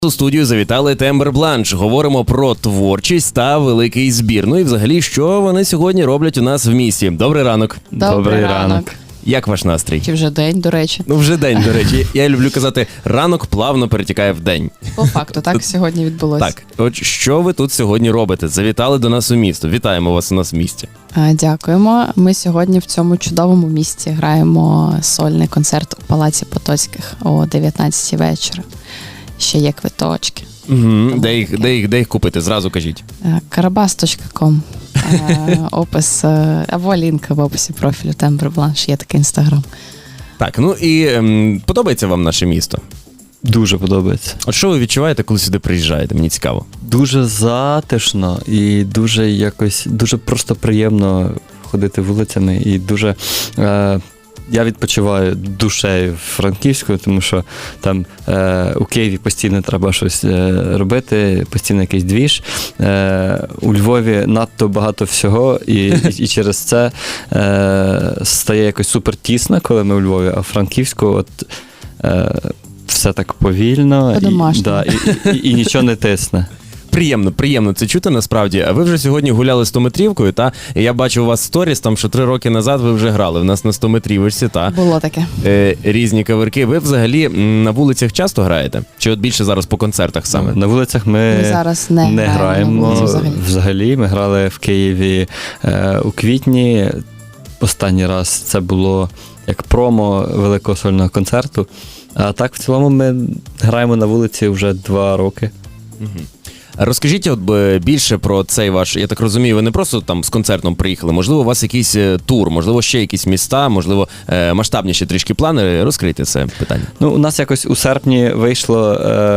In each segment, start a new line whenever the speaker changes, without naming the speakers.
У студію завітали Тембр Бланш. Говоримо про творчість та великий збір. Ну і взагалі, що вони сьогодні роблять у нас в місті. Добрий ранок.
Добрий ранок.
Як ваш настрій?
Чи вже день, до речі?
Ну, вже день, до речі. Я люблю казати, ранок плавно перетікає в день.
По факту, так сьогодні відбулося.
Так, от що ви тут сьогодні робите? Завітали до нас у місто. Вітаємо вас у нас в місті.
Дякуємо. Ми сьогодні в цьому чудовому місті граємо сольний концерт у Палаці Потоцьких о 19-й вечора. Ще є квиточки.
Угу. Де їх купити? Зразу кажіть.
Karabas.com. Опис, або лінк в описі профілю Тембр Бланш, є такий інстаграм.
Так, ну і подобається вам наше місто?
Дуже подобається.
От що ви відчуваєте, коли сюди приїжджаєте? Мені цікаво.
Дуже затишно і дуже просто приємно ходити вулицями і дуже... Я відпочиваю душею Франківською, тому що там у Києві постійно треба щось робити, постійно якийсь двіж. У Львові надто багато всього, і через це стає якось супер тісно, коли ми у Львові, а в Франківську от все так повільно і нічого не тисне.
Приємно це чути насправді. А ви вже сьогодні гуляли 100-метрівкою, та? І я бачу у вас сторіс, там, що 3 роки назад ви вже грали в нас на 100-метрівочці, та?
Було таке.
Різні каверки. Ви взагалі на вулицях часто граєте? Чи от більше зараз по концертах саме?
На вулицях ми
зараз не
граємо взагалі. Ми грали в Києві у квітні. Останній раз це було як промо великого сольного концерту. А так, в цілому, ми граємо на вулиці вже 2 роки.
Угу. Розкажіть от більше про цей ваш, я так розумію, ви не просто там з концертом приїхали, можливо, у вас якийсь тур, можливо, ще якісь міста, можливо, масштабніші трішки плани. Розкрийте це питання.
Ну, у нас якось у серпні вийшло,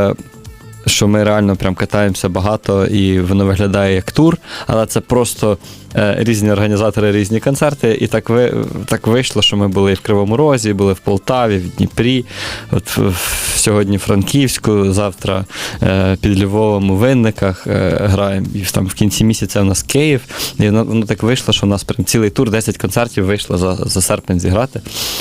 що ми реально прям катаємося багато, і воно виглядає як тур, але це просто різні організатори, різні концерти, і так вийшло, що ми були і в Кривому Розі, були в Полтаві, в Дніпрі, от сьогодні в Франківську, завтра під Львовом у Винниках граємо, і там в кінці місяця у нас Київ, і воно так вийшло, що у нас прям цілий тур, 10 концертів вийшло за серпень зіграти.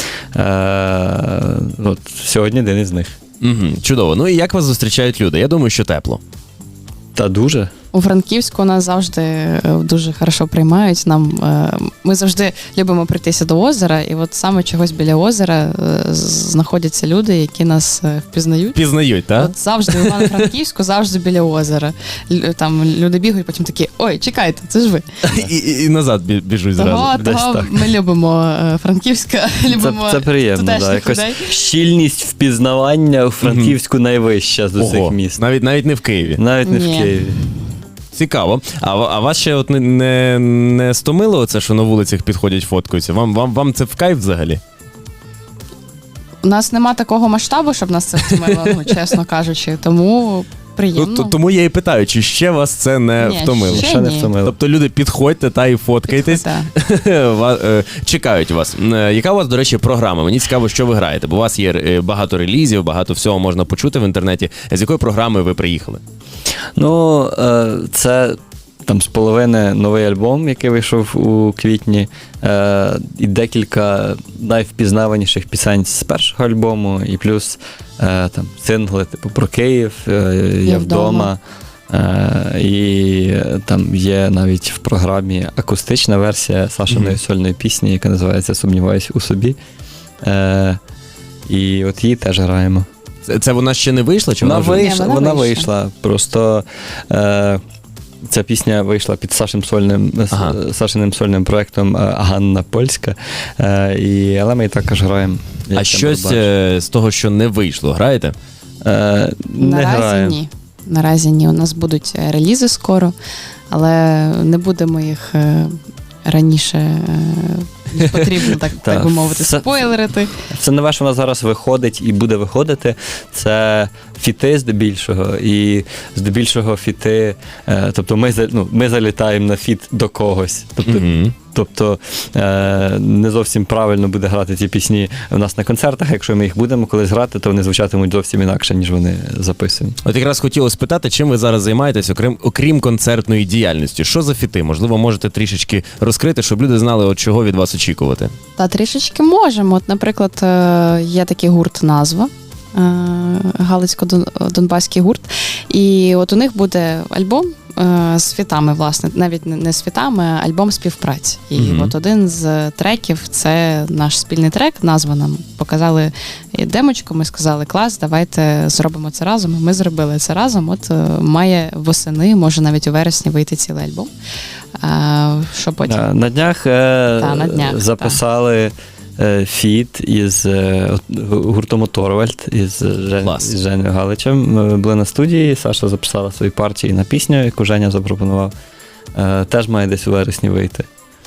От сьогодні один із них.
Угу, чудово. Ну і як вас зустрічають люди? Я думаю, що тепло.
Та дуже.
У Франківську нас завжди дуже хорошо приймають. Ми завжди любимо прийтися до озера, і от саме чогось біля озера знаходяться люди, які нас впізнають.
Пізнають, так?
От завжди в Івано-Франківську, завжди біля озера. Там люди бігають, потім такі: ой, чекайте, це ж ви.
І назад біжуть зразу.
Того ми любимо Франківська, любимо
це приємно, да. Якось щільність впізнавання у Франківську найвища з усіх міст.
Навіть не в Києві.
Навіть не в Києві.
Цікаво. А вас ще от не стомило оце, що на вулицях підходять, фоткаються? Вам це в кайф взагалі?
У нас нема такого масштабу, щоб нас це втомило, чесно кажучи, тому приємно.
Тому я і питаю, чи ще вас це не втомило?
Ще не втомило.
Тобто люди, підходьте та і фоткайтесь, чекають вас. Яка у вас, до речі, програма? Мені цікаво, що ви граєте, бо у вас є багато релізів, багато всього можна почути в інтернеті. З якої програми ви приїхали?
Ну, це там з половини новий альбом, який вийшов у квітні, і декілька найвпізнаваніших пісень з першого альбому, і плюс там сингли типу про Київ, Я вдома. І там є навіть в програмі акустична версія Сашиної сольної пісні, яка називається «Сумніваюсь у собі». І от її теж граємо.
Це вона ще не вийшла? Чи
вона вийшла. Просто ця пісня вийшла під Сашиним сольним проєктом «Ганна Польська», але ми і також граємо.
А щось з того, що не вийшло, граєте?
Не граємо.
Ні. Наразі ні. У нас будуть релізи скоро, але не будемо їх раніше ніж потрібно, так би мовити, спойлерити.
Це нове, що у нас зараз виходить і буде виходити, це фіти здебільшого, і здебільшого фіти, тобто ми залітаємо на фіт до когось. Тобто не зовсім правильно буде грати ці пісні у нас на концертах. Якщо ми їх будемо колись грати, то вони звучатимуть зовсім інакше, ніж вони записані.
От якраз хотілося спитати, чим ви зараз займаєтесь, окрім концертної діяльності? Що за фіти? Можливо, можете трішечки розкрити, щоб люди знали, от чого від вас очікувати?
Та трішечки можемо. От, наприклад, є такий гурт «Назва». Галицько-Донбаський гурт. І от у них буде альбом з фітами, власне, навіть не з фітами, а альбом співпраці. І от один з треків – це наш спільний трек, назва нам показали демочку, ми сказали, клас, давайте зробимо це разом. І ми зробили це разом, от має восени, може навіть у вересні вийти цілий альбом. Що потім?
На днях,
на днях
записали фіт із гуртом Торвальд, із Женою Галичем. Ми були на студії, Саша записала свої партії на пісню, яку Женя запропонував. Теж має десь у вересні вийти.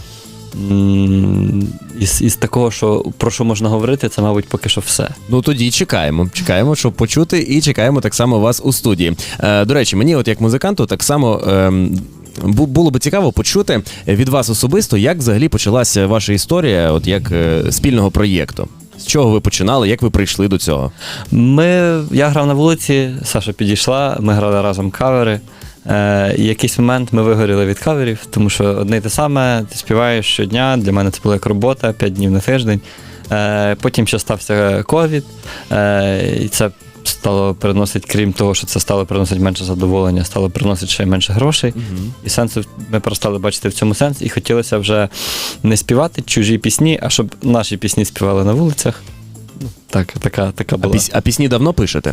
Із такого, про що можна говорити, це, мабуть, поки що все.
Ну тоді чекаємо, щоб почути, і чекаємо так само вас у студії. До речі, мені от як музиканту так само було би цікаво почути від вас особисто, як взагалі почалася ваша історія, от як спільного проєкту. З чого ви починали, як ви прийшли до цього?
Я грав на вулиці, Саша підійшла, ми грали разом кавери. І якийсь момент ми вигоріли від каверів, тому що одне й те саме, ти співаєш щодня, для мене це була як робота, 5 днів на тиждень. Потім ще стався ковід, і це стало приносити, крім того, що це стало приносити менше задоволення, стало приносити ще менше грошей. І сенсу ми перестали бачити в цьому сенс, і хотілося вже не співати чужі пісні, а щоб наші пісні співали на вулицях. Така була.
А пісні давно пишете?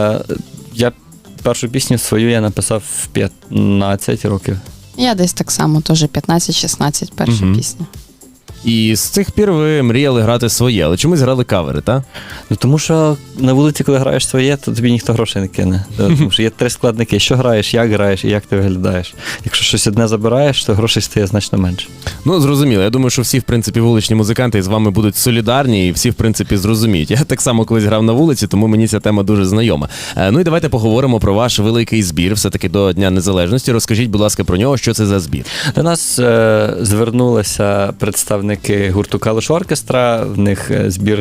Я першу пісню свою я написав в 15 років.
Я десь так само, теж 15-16 перша пісня.
І з цих пір ви мріяли грати своє, але чомусь грали кавери, так?
Ну, тому що на вулиці, коли граєш своє, то тобі ніхто грошей не кине. Тому що є 3 складники: що граєш, і як ти виглядаєш. Якщо щось одне забираєш, то грошей стає значно менше. Ну,
зрозуміло. Я думаю, що всі, в принципі, вуличні музиканти з вами будуть солідарні, і всі, в принципі, зрозуміють. Я так само колись грав на вулиці, тому мені ця тема дуже знайома. Ну і давайте поговоримо про ваш великий збір, все-таки до Дня Незалежності. Розкажіть, будь ласка, про нього, що це за збір?
До нас звернулися представники гурту Калуш Оркестра, в них збір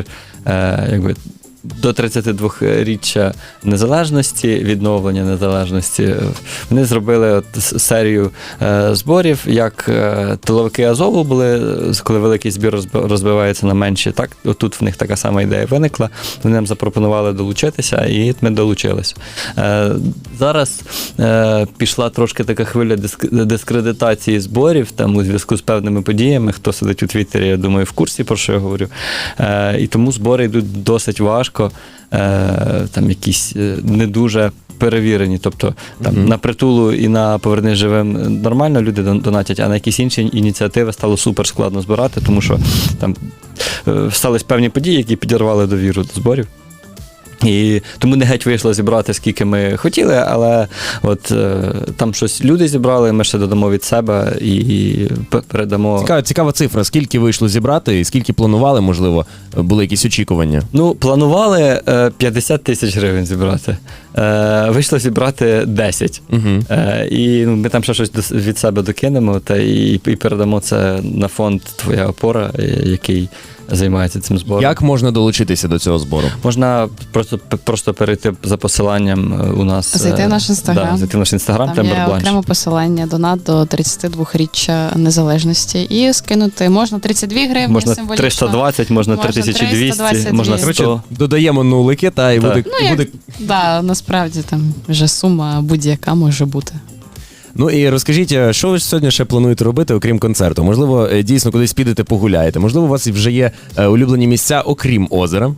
до 32-річчя незалежності, відновлення незалежності. Вони зробили серію зборів, як тиловики Азову були, коли великий збір розбивається на менші. Так, отут в них така сама ідея виникла. Вони нам запропонували долучитися, і ми долучилися. Зараз пішла трошки така хвиля дискредитації зборів, там у зв'язку з певними подіями. Хто сидить у Твіттері, я думаю, в курсі, про що я говорю. І тому збори йдуть досить важко. Там якісь не дуже перевірені. Тобто там на Притулу і на Повернись живим нормально люди донатять, а на якісь інші ініціативи стало супер складно збирати, тому що там стались певні події, які підірвали довіру до зборів. І тому не геть вийшло зібрати, скільки ми хотіли, але от там щось люди зібрали, ми ще додамо від себе і передамо.
Цікава цифра. Скільки вийшло зібрати і скільки планували, можливо, були якісь очікування?
Ну, планували 50 тисяч гривень зібрати. Вийшло зібрати 10. І ми там ще щось від себе докинемо і передамо це на фонд «Твоя опора», який займається цим збором.
Як можна долучитися до цього збору?
Можна просто перейти за посиланням у нас.
Зайти в наш Інстаграм.
Да, зайти в наш Інстаграм,
там є окреме посилання, донат до 32-річчя незалежності. І скинути можна 32 гривні
можна
символічно.
320, можна 3200, можна 100.
Короче,
додаємо нулики, і буде...
Да, насправді там вже сума будь-яка може бути.
Ну і розкажіть, що ви сьогодні ще плануєте робити, окрім концерту? Можливо, дійсно кудись підете, погуляєте? Можливо, у вас вже є улюблені місця, окрім озера?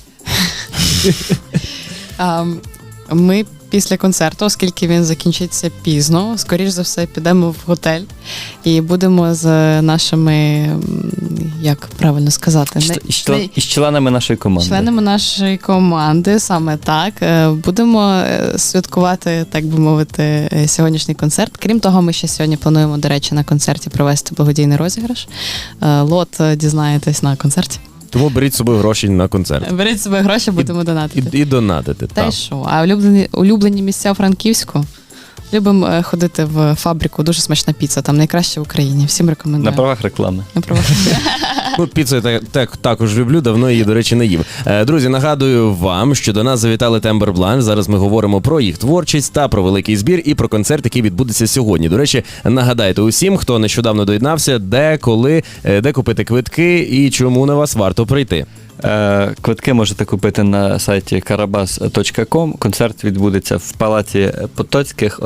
Ми після концерту, оскільки він закінчиться пізно, скоріш за все підемо в готель і будемо з нашими, як правильно сказати,
із членами нашої команди.
Членами нашої команди, саме так. Будемо святкувати, так би мовити, сьогоднішній концерт. Крім того, ми ще сьогодні плануємо, до речі, на концерті провести благодійний розіграш. Лот дізнаєтесь на концерті.
Тому беріть з собою гроші на концерт.
Беріть з собою гроші, будемо донатити.
І донатити.
Та й що? А улюблені місця у Франківську? Любимо ходити в фабрику, дуже смачна піца, там найкраще в Україні. Всім рекомендую.
На правах реклами.
На правах.
Ну, піцу я також люблю, давно її, до речі, не їв. Друзі, нагадую вам, що до нас завітали Тембербланш. Зараз ми говоримо про їх творчість та про великий збір і про концерт, який відбудеться сьогодні. До речі, нагадайте усім, хто нещодавно доєднався, де, коли, де купити квитки і чому на вас варто прийти.
Квитки можете купити на сайті karabas.com. Концерт відбудеться в Палаці Потоцьких о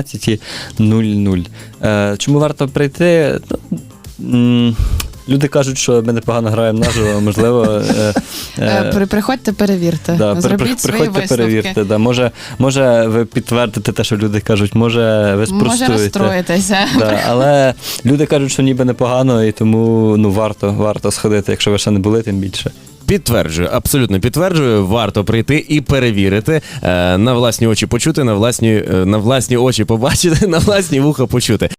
19:00. Чому варто прийти? Люди кажуть, що ми непогано граємо наживо, можливо.
Приходьте, перевірте.
Да,
Зробіть свої
приходьте,
висновки.
перевірте. Да. Може, ви підтвердите те, що люди кажуть, може, ви спростуєте.
Може розстроїтеся.
Да, але люди кажуть, що ніби непогано, і тому варто сходити, якщо ви ще не були, тим більше.
Підтверджую, абсолютно підтверджую. Варто прийти і перевірити, на власні очі почути, на власні очі побачити, на власні вуха почути.